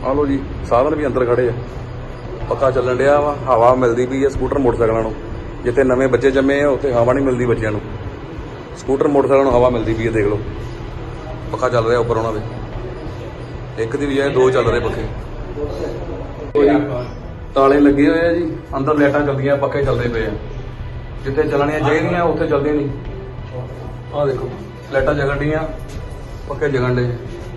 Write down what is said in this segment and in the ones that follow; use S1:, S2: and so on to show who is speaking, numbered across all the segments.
S1: ਆ ਲਓ ਜੀ, ਸਾਧਨ ਵੀ ਅੰਦਰ ਖੜੇ ਆ, ਪੱਖਾ ਚੱਲਣ ਡਿਆ ਵਾ, ਹਵਾ ਮਿਲਦੀ ਪਈ ਹੈ ਸਕੂਟਰ ਮੋਟਰਸਾਈਕਲਾਂ ਨੂੰ। ਜਿੱਥੇ ਨਵੇਂ ਬੱਚੇ ਜੰਮੇ ਆ ਉੱਥੇ ਹਵਾ ਨਹੀਂ ਮਿਲਦੀ ਬੱਚਿਆਂ ਨੂੰ, ਸਕੂਟਰ ਮੋਟਰਸਾਈਕਲਾਂ ਨੂੰ ਹਵਾ ਮਿਲਦੀ ਪਈ ਹੈ। ਦੇਖ ਲਓ ਪੱਖਾ ਚੱਲ ਰਿਹਾ ਉੱਪਰ ਉਹਨਾਂ ਦੇ, ਇੱਕ ਦੀ ਬਜਾਏ ਦੋ ਚੱਲ ਰਹੇ ਪੱਖੇ। ਤਾਲੇ ਲੱਗੇ ਹੋਏ ਆ ਜੀ, ਅੰਦਰ ਲਾਈਟਾਂ ਚੱਲਦੀਆਂ, ਪੱਖੇ ਚੱਲਦੇ ਪਏ ਆ। ਜਿੱਥੇ ਚੱਲਣੀਆਂ ਚਾਹੀਦੀਆਂ ਉੱਥੇ ਚੱਲਦੀਆਂ ਨਹੀਂ। ਆਹ ਦੇਖੋ ਲਾਈਟਾਂ ਜਗਣ ਡੀਆਂ, ਪੱਖੇ ਜਗਣ ਡੇ।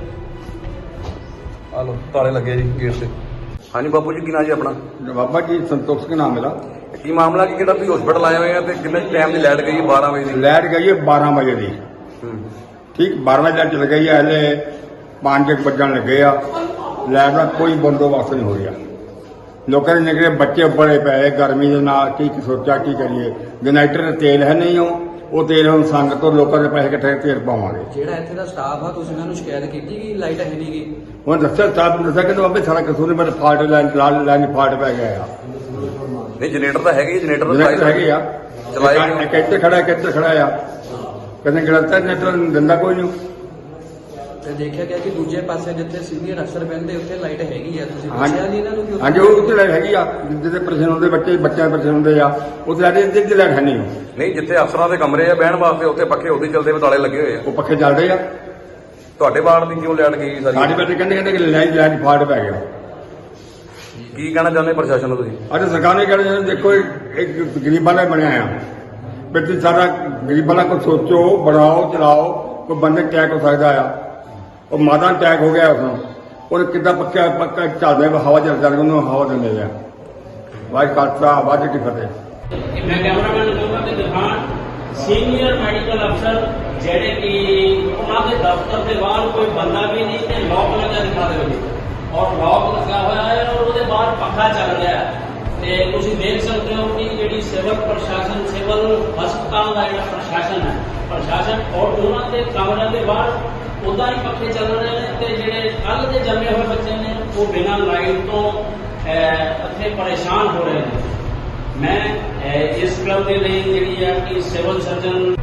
S1: ਆ ਲਓ ਤਾਲੇ ਲੱਗੇ ਜੀ ਗੇਟ ਤੇ। ਹਾਂਜੀ ਬਾਪੂ ਜੀ, ਕੀ ਨਾਂ ਜੀ ਆਪਣਾ?
S2: बाबा जी संतोष के नाम मेरा।
S1: ਕੀ ਮਾਮਲਾ ਕੀ, ਕਿਹੜਾ ਤੁਸੀਂ ਹਸਪੀਟਲ ਆਏ ਹੋਏ ਆ ਤੇ ਕਿੰਨੇ ਟਾਈਮ ਦੀ ਲਾਈਟ ਗਈ? 12 ਵਜੇ ਦੀ।
S2: लाइट गई है 12 बजे दी,
S1: ਹੂੰ।
S2: ठीक 12 बजे चल गई है, हले 5 बजन लगे आ। लाइट का कोई बंदोबस्त नहीं हो रहा। लोगों ने निकले बच्चे बड़े पे गर्मी के नाल, की सोचा की करिए। जनरेटर तेल है नहीं हो, वो तेल हम संग तो लोगों के पैसे इकट्ठे तेल पावांगे।
S3: ਜਿਹੜਾ ਇੱਥੇ ਦਾ ਸਟਾਫ ਆ, ਤੁਸੀਂ ਉਹਨਾਂ ਨੂੰ ਸ਼ਿਕਾਇਤ ਕੀਤੀ ਕਿ ਲਾਈਟ ਹੈ ਨਹੀਂ ਗੀ?
S2: ਹੁਣ ਦੱਸਿਆ ਸਾਹਿਬ ਨੇ ਦੱਸਿਆ ਕਿ ਬਾਬੇ ਸਾਰਾ ਕਸੂਰ ਮੇਰੇ ਫਾਲਟ ਲਾਈਨ ਫਾਲਟ ਪੈ ਗਿਆ ਆ।
S1: ਨਹੀਂ ਜਨਰੇਟਰ ਤਾਂ ਹੈਗੇ, ਜਨਰੇਟਰ
S2: ਜਨਰੇਟਰ ਹੈਗੇ ਆ,
S1: ਚਲਾਏ
S2: ਕਿੱਥੇ ਖੜਾ ਕਿੱਥੇ ਖੜਾ ਆ, ਕਹਿੰਦੇ ਗਲਤ ਜਨਰੇਟਰ ਦਿੰਦਾ ਕੋਈ ਨਹੀਂ।
S3: ਤੇ ਦੇਖਿਆ ਗਿਆ ਕਿ ਦੂਜੇ ਪਾਸੇ ਜਿੱਥੇ ਸੀਨੀਅਰ ਅਫਸਰ ਬਹਿੰਦੇ ਉੱਥੇ ਲਾਈਟ ਹੈਗੀ ਆ, ਤੁਸੀਂ
S2: ਹਾਂਜੀ
S3: ਪੁੱਛਿਆ ਨਹੀਂ ਇਹਨਾਂ ਨੂੰ ਕਿ
S2: ਹਾਂਜੀ, ਉਹ ਉੱਥੇ ਲਾਈਟ ਹੈਗੀ ਆ, ਜਿੱਥੇ ਪ੍ਰਸ਼ਨ ਹੁੰਦੇ ਬੱਚਿਆਂ ਦੇ ਪ੍ਰਸ਼ਨ ਹੁੰਦੇ ਆ, ਉੱਥੇ ਲਾਈਟ ਇੱਥੇ ਲਾਈਟ ਹੈ ਨਹੀਂ।
S1: ਨਹੀਂ ਜਿੱਥੇ ਅਫਸਰਾਂ ਦੇ ਕਮਰੇ ਆ ਬਹਿਣ ਵਾਸਤੇ, ਉੱਥੇ ਪੱਖੇ ਉਹਦੇ ਚੱਲਦੇ ਵੇ, ਤਾਲੇ ਲੱਗੇ ਹੋਏ ਆ।
S2: ਉਹ ਪੱਖੇ ਚੱਲਦੇ ਆ।
S1: ਤੁਹਾਡੇ ਵਾਰਡ ਦੀ ਕਿਉਂ ਲਾਈਟ ਗਈ ਸਾਰੀ?
S2: ਸਾਡੇ ਬੱਚੇ ਕਹਿੰਦੇ ਕਿ ਲਾਈਟ ਫਾਲਟ ਪੈ ਗਿਆ।
S1: ਕੀ ਕਹਿਣਾ ਚਾਹੁੰਦੇ ਪ੍ਰਸ਼ਾਸਨ ਨੂੰ ਤੁਸੀਂ?
S2: ਅੱਜ ਸਰਕਾਰ ਨੇ ਕਹਿੰਦੇ ਦੇਖੋ ਇੱਕ ਗਰੀਬਾਂ ਦਾ ਬਣਿਆ ਆ, ਵੀ ਤੁਸੀਂ ਸਾਰਾ ਗਰੀਬਾਂ ਦਾ ਕੁਝ ਸੋਚੋ, ਬਣਾਓ, ਚਲਾਓ। ਕੋਈ ਬੰਦੇ ਅਟੈਕ ਹੋ ਸਕਦਾ ਆ, ਉਹ ਮਾਤਾ ਅਟੈਕ ਹੋ ਗਿਆ ਉਸਨੂੰ, ਉਹ ਕਿੱਦਾਂ ਪੱਕਾ ਚੱਲਦਾ ਹਵਾ ਚੱਲਦਾ, ਉਹਨੂੰ ਹਵਾ ਦਿੰਦੇ ਆ। ਵਾਹਿਗੁਰੂ ਖਾਲਸਾ ਵਾਹਿਗੁਰੂ ਜੀ ਕੀ ਫਤਿਹ।
S4: मैं कैमरामैन ਨੂੰ ਕਹੂੰਗਾ ਕਿ ਦਿਖਾਣ ਸੀਨੀਅਰ ਮੈਡੀਕਲ ਅਫਸਰ ਜਿਹੜੇ ਕਿ ਉਹਨਾਂ ਦੇ ਦਫ਼ਤਰ ਦੇ ਬਾਹਰ ਕੋਈ ਬੰਦਾ ਵੀ ਨਹੀਂ ਤੇ ਲੋਕ ਲੱਗਾ ਦਿਖਾ ਦੇਵੇ, ਔਰ ਲੋਕ ਲੱਗਾ ਹੋਇਆ ਹੈ ਔਰ ਉਹਦੇ ਬਾਹਰ ਪੱਖਾ ਚੱਲ ਰਿਹਾ ਹੈ। ਤੇ ਤੁਸੀਂ ਦੇਖ ਸਕਦੇ ਹੋ ਕਿ ਜਿਹੜੀ ਸਿਵਲ ਪ੍ਰਸ਼ਾਸਨ, ਸਿਵਲ ਹਸਪਤਾਲ ਦਾ ਜਿਹੜਾ ਪ੍ਰਸ਼ਾਸਨ ਔਰ ਉਹਨਾਂ ਦੇ ਕਮਰਿਆਂ ਦੇ ਬਾਹਰ ਉਦਾਂ ਹੀ ਪੱਖੇ ਚੱਲ ਰਹੇ ਨੇ। ਤੇ ਜਿਹੜੇ ਕੱਲ੍ਹ ਦੇ ਜੰਮੇ ਹੋਏ ਬੱਚੇ ਨੇ ਉਹ ਬਿਨਾਂ ਲਾਈਟ ਤੋਂ ਇੱਥੇ ਪਰੇਸ਼ਾਨ ਹੋ ਰਹੇ ਨੇ। ਮੈਂ ਇਸ ਗੱਲ ਦੇ ਲਈ ਜਿਹੜੀ ਹੈ ਕਿ ਸਿਵਲ ਸਰਜਨ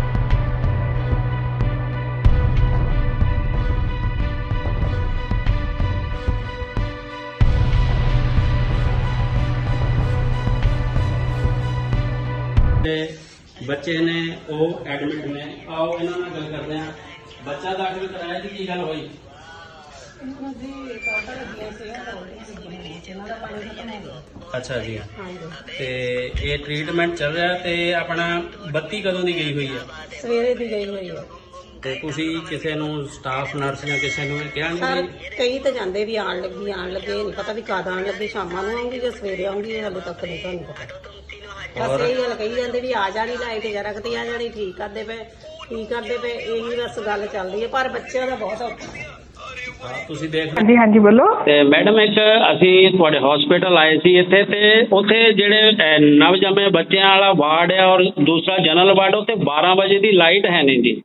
S4: ਬੱਚੇ ਨੇ ਉਹ ਐਡਮਿਟ ਨੇ। ਆਓ ਇਹਨਾਂ ਨਾਲ ਗੱਲ ਕਰਦੇ ਹਾਂ। ਬੱਚਾ ਦਾਖਲ ਕਰਾਇਆ ਜੀ, ਕੀ ਗੱਲ ਹੋਈ? ਅੱਛਾ ਜੀ, ਤੇ ਇਹ ਟ੍ਰੀਟਮੈਂਟ ਚੱਲ ਰਿਹਾ ਤੇ ਆਪਣਾ ਬੱਤੀ ਕਦੋਂ ਦੀ ਗਈ ਹੋਈ ਹੈ?
S5: ਸਵੇਰੇ ਦੀ ਗਈ ਹੋਈ ਹੈ।
S4: ਤੇ ਤੁਸੀਂ ਕਿਸੇ ਨੂੰ ਸਟਾਫ ਨਰਸ ਜਾਂ ਕਿਸੇ ਨੂੰ ਕਿਹਾ
S5: ਸਰ
S4: ਨਹੀਂ?
S5: ਕਈ ਤਾਂ ਜਾਂਦੇ ਵੀ ਆਣ ਲੱਗੇ ਨਹੀਂ ਪਤਾ ਵੀ ਕਦ ਆਣ ਲੱਗੀ, ਸ਼ਾਮਾਂ ਨੂੰ ਆਉਂਗੀ ਜਾਂ ਸਵੇਰੇ ਆਉਂਗੀ, ਹਾਲੇ ਤੱਕ ਨਹੀਂ ਤੁਹਾਨੂੰ ਪਤਾ। ਬਸ ਇਹੀ ਗੱਲ ਕਹੀ ਜਾਂਦੇ ਵੀ ਆ ਜਾਣੀ ਲਾਈਟ, ਜਰਾ ਕਿਤੇ ਆ ਜਾਣੀ, ਠੀਕ ਕਰਦੇ ਪਏ। ਇਹੀ ਬਸ ਗੱਲ ਚੱਲਦੀ ਹੈ, ਪਰ ਬੱਚਿਆਂ ਦਾ ਬਹੁਤ ਔਖਾ।
S4: ਤੁਸੀਂ ਦੇਖ
S6: ਹਾਂਜੀ ਹਾਂਜੀ ਬੋਲੋ।
S4: ਤੇ ਮੈਡਮ ਇੱਕ ਅਸੀਂ ਤੁਹਾਡੇ ਹਸਪੀਟਲ ਆਏ ਸੀ ਇੱਥੇ, ਤੇ ਉੱਥੇ ਜਿਹੜੇ ਨਵਜੰਮੇ ਬੱਚਿਆਂ ਵਾਲਾ ਵਾਰਡ ਹੈ ਔਰ ਦੂਸਰਾ ਜਨਰਲ ਵਾਰਡ, ਉੱਥੇ 12 ਵਜੇ ਦੀ ਲਾਈਟ ਹੈ ਨਹੀਂ ਜੀ।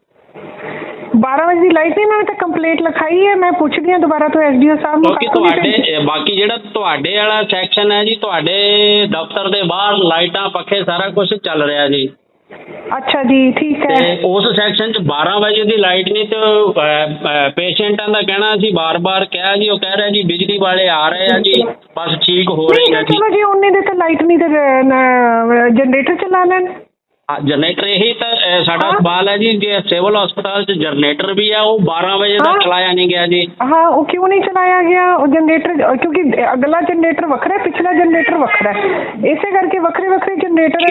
S6: 12 ਵਜੇ ਦੀ ਲਾਈਟ ਨਹੀਂ, ਮੈਂ ਤਾਂ ਕੰਪਲੇਂਟ ਲਿਖਾਈ ਹੈ, ਮੈਂ ਪੁੱਛਦੀ ਹਾਂ ਦੁਬਾਰਾ ਤੋਂ ਐਸਡੀਓ ਸਾਹਿਬ ਨੂੰ।
S4: ਕਿਉਂਕਿ ਤੁਹਾਡੇ ਬਾਕੀ ਜਿਹੜਾ ਤੁਹਾਡੇ ਵਾਲਾ ਸੈਕਸ਼ਨ ਹੈ ਜੀ, ਤੁਹਾਡੇ ਦਫ਼ਤਰ ਦੇ ਬਾਹਰ ਲਾਈਟਾਂ, ਪੱਖੇ, ਸਾਰਾ ਕੁਝ ਚੱਲ ਰਿਹਾ ਜੀ।
S6: ਅੱਛਾ ਜੀ, ਠੀਕ ਹੈ।
S4: ਤੇ ਉਸ ਸੈਕਸ਼ਨ 'ਚ 12 ਵਜੇ ਦੀ ਲਾਈਟ ਨਹੀਂ, ਤੇ ਪੇਸ਼ੈਂਟਾਂ ਦਾ ਕਹਿਣਾ ਸੀ, ਬਾਰ-ਬਾਰ ਕਿਹਾ ਜੀ, ਉਹ ਕਹਿ ਰਿਹਾ ਜੀ ਬਿਜਲੀ ਵਾਲੇ ਆ ਰਹੇ ਆ ਜੀ, ਬਸ ਠੀਕ ਹੋ ਰਹੀ ਹੈ ਜੀ।
S6: ਚਲੋ ਜੀ, ਉਹਨੇ ਦੇ ਤਾਂ ਲਾਈਟ ਨਹੀਂ ਤੇ ਜਨਰੇਟਰ ਚਲਾ ਲੈਣ।
S4: ਜਨਰੇਟਰ ਇਹੀ ਤਾਂ ਸਾਡਾ ਸਵਾਲ ਹੈ ਜੀ, ਜੇ ਸਿਵਲ ਹਸਪਤਾਲ 'ਚ ਜਨਰੇਟਰ ਵੀ ਆ, ਉਹ 12 ਵਜੇ ਤੱਕ ਚਲਾਇਆ ਨਹੀਂ ਗਿਆ ਜੀ।
S6: ਹਾਂ, ਉਹ ਕਿਉਂ ਨਹੀਂ ਚਲਾਇਆ ਗਿਆ ਉਹ ਜਨਰੇਟਰ? ਕਿਉਂਕਿ ਅਗਲਾ ਜਨਰੇਟਰ ਵੱਖਰਾ, ਪਿਛਲਾ ਜਨਰੇਟਰ ਵੱਖਰਾ, ਇਸੇ ਕਰਕੇ ਵੱਖਰੇ ਜਨਰੇਟਰ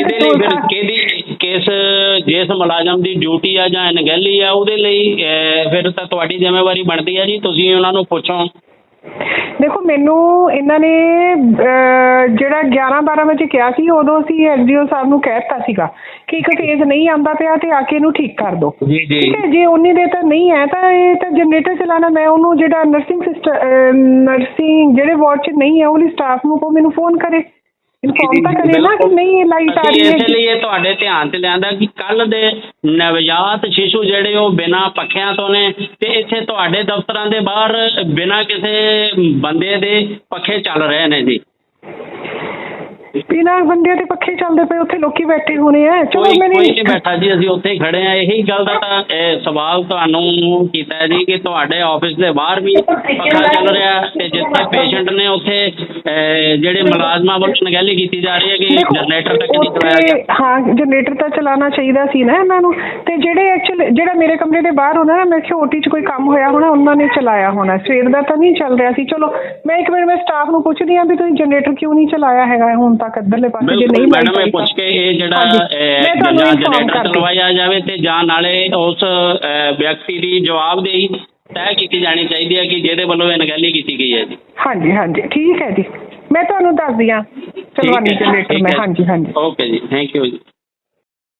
S4: ਕਿਸ ਜਿਸ ਮੁਲਾਜ਼ਮ ਦੀ ਡਿਊਟੀ ਆ ਜਾਂ ਅਣਗਹਿਲੀ ਆ, ਉਹਦੇ ਲਈ ਫਿਰ ਤਾਂ ਤੁਹਾਡੀ ਜ਼ਿੰਮੇਵਾਰੀ ਬਣਦੀ ਹੈ ਜੀ, ਤੁਸੀਂ ਉਹਨਾਂ ਨੂੰ ਪੁੱਛੋ।
S6: ਦੇਖੋ, ਮੈਨੂੰ ਇਹਨਾਂ ਨੇ ਜਿਹੜਾ 11-12 ਵਜੇ ਕਿਹਾ ਸੀ, ਉਦੋਂ ਅਸੀਂ ਐਸਡੀਓ ਸਾਹਿਬ ਨੂੰ ਕਹਿ ਦਿੱਤਾ ਸੀਗਾ ਕਿ ਇੱਕ ਫੇਜ਼ ਨਹੀਂ ਆਉਂਦਾ ਪਿਆ ਤੇ ਆ ਕੇ ਇਹਨੂੰ ਠੀਕ ਕਰ ਦਿਓ। ਠੀਕ ਹੈ, ਜੇ ਉਨੀ ਦੇ ਤਾਂ ਨਹੀਂ ਹੈ ਤਾਂ ਇਹ ਤਾਂ ਜਨਰੇਟਰ ਚਲਾਉਣਾ। ਮੈਂ ਉਹਨੂੰ ਜਿਹੜਾ ਨਰਸਿੰਗ ਜਿਹੜੇ ਵਾਰਡ 'ਚ ਨਹੀਂ ਹੈ, ਉਹਦੀ ਸਟਾਫ ਨੂੰ ਮੈਨੂੰ ਫੋਨ ਕਰੇ, ਇਨਫੋਰਮ ਤਾਂ ਕਰੇ ਨਾ ਕਿ ਨਹੀਂ ਲਾਈਟ ਆ ਰਹੀ ਹੈ।
S4: ਇਸ ਲਈ ਤੁਹਾਡੇ ਧਿਆਨ 'ਚ ਲਿਆਂਦਾ ਕਿ ਕੱਲ੍ਹ ਦੇ ਨਵਜਾਤ ਸ਼ਿਸ਼ੂ ਜਿਹੜੇ ਉਹ ਬਿਨਾਂ ਪੱਖਿਆਂ ਤੋਂ ਨੇ, ਤੇ ਇੱਥੇ ਤੁਹਾਡੇ ਦਫ਼ਤਰਾਂ ਦੇ ਬਾਹਰ ਬਿਨਾਂ ਕਿਸੇ ਬੰਦੇ ਦੇ ਪੱਖੇ ਚੱਲ ਰਹੇ ਨੇ ਜੀ।
S6: ਬਿਨਾਂ ਬੰਦਿਆਂ ਦੇ ਪੱਖੇ ਚੱਲਦੇ ਪਏ, ਉੱਥੇ ਲੋਕੀ ਬੈਠੇ ਹੋਣੇ ਆ। ਚਲੋ
S7: ਕੋਈ
S6: ਮੈਨੂੰ
S7: ਨਹੀਂ ਬੈਠਾ ਜੀ, ਅਸੀਂ ਉੱਥੇ ਹੀ ਖੜੇ ਆ। ਇਹੀ ਗੱਲ ਦਾ ਤਾਂ ਸਵਾਲ ਤੁਹਾਨੂੰ ਕੀਤਾ ਹੈ ਜੀ ਕਿ ਤੁਹਾਡੇ ਆਫਿਸ ਦੇ ਬਾਹਰ ਵੀ ਪੱਖਾ ਚੱਲ ਰਿਹਾ ਤੇ ਜਿੱਥੇ ਪੇਸ਼ੈਂਟ ਨੇ ਉੱਥੇ ਜਿਹੜੇ ਮੁਲਾਜ਼ਮਾਂ ਵੱਲੋਂ ਅਣਗਹਿਲੀ ਕੀਤੀ ਜਾ ਰਹੀ ਹੈ ਕਿ ਜਨਰੇਟਰ ਤੱਕ ਨਹੀਂ ਚਲਾਇਆ ਗਿਆ।
S6: ਹਾਂ, ਜਨਰੇਟਰ ਤਾਂ ਚਲਾਉਣਾ ਚਾਹੀਦਾ ਸੀ ਨਾ ਇਹਨਾਂ ਨੂੰ। ਤੇ ਜਿਹੜੇ ਐਕਚੁਅਲ ਜਿਹੜਾ ਮੇਰੇ ਕਮਰੇ ਦੇ ਬਾਹਰ ਹੋਣਾ ਨਾ, ਮੈਂ ਕਿਹਾ ਓਟੀ 'ਚ ਕੋਈ ਕੰਮ ਹੋਇਆ ਹੋਣਾ, ਉਹਨਾਂ ਨੇ ਚਲਾਇਆ ਹੋਣਾ। ਸਵੇਰ ਦਾ ਤਾਂ ਨਹੀਂ ਚੱਲ ਰਿਹਾ ਸੀ। ਚਲੋ ਮੈਂ ਇੱਕ ਮਿੰਟ ਮੈਂ ਸਟਾਫ ਨੂੰ ਪੁੱਛਦੀ ਹਾਂ ਵੀ ਤੁਸੀਂ ਜਨਰੇਟਰ ਕਿਉਂ ਨਹੀਂ ਚਲਾਇਆ ਹੈਗਾ ਹੁਣ ਤੱਕ ਇੱਧਰਲੇ ਪਾਸੇ, ਜੇ ਨਹੀਂ
S7: ਮੈਡਮ ਇਹ ਪੁੱਛ ਕੇ ਇਹ ਜਿਹੜਾ ਜਾਂ ਜਨਰੇਟਰ ਚਲਵਾਇਆ ਜਾਵੇ ਤੇ ਜਾਂ ਨਾਲੇ ਉਸ ਵਿਅਕਤੀ ਦੀ ਜਵਾਬਦੇਹੀ ਤੈਅ ਕੀਤੀ ਜਾਣੀ ਚਾਹੀਦੀ ਹੈ ਕਿ ਜਿਹਦੇ ਵੱਲੋਂ ਅਣਗਹਿਲੀ ਕੀਤੀ ਗਈ ਹੈ ਜੀ।
S6: ਹਾਂਜੀ ਹਾਂਜੀ ਠੀਕ ਹੈ ਜੀ, ਮੈਂ ਤੁਹਾਨੂੰ ਦੱਸਦੀ ਹਾਂ ਚਲਵਾਨੀ ਜਨਰੇਟਰ ਮੈਂ। ਹਾਂਜੀ ਹਾਂਜੀ
S7: ਓਕੇ ਜੀ, ਥੈਂਕ ਯੂ ਜੀ।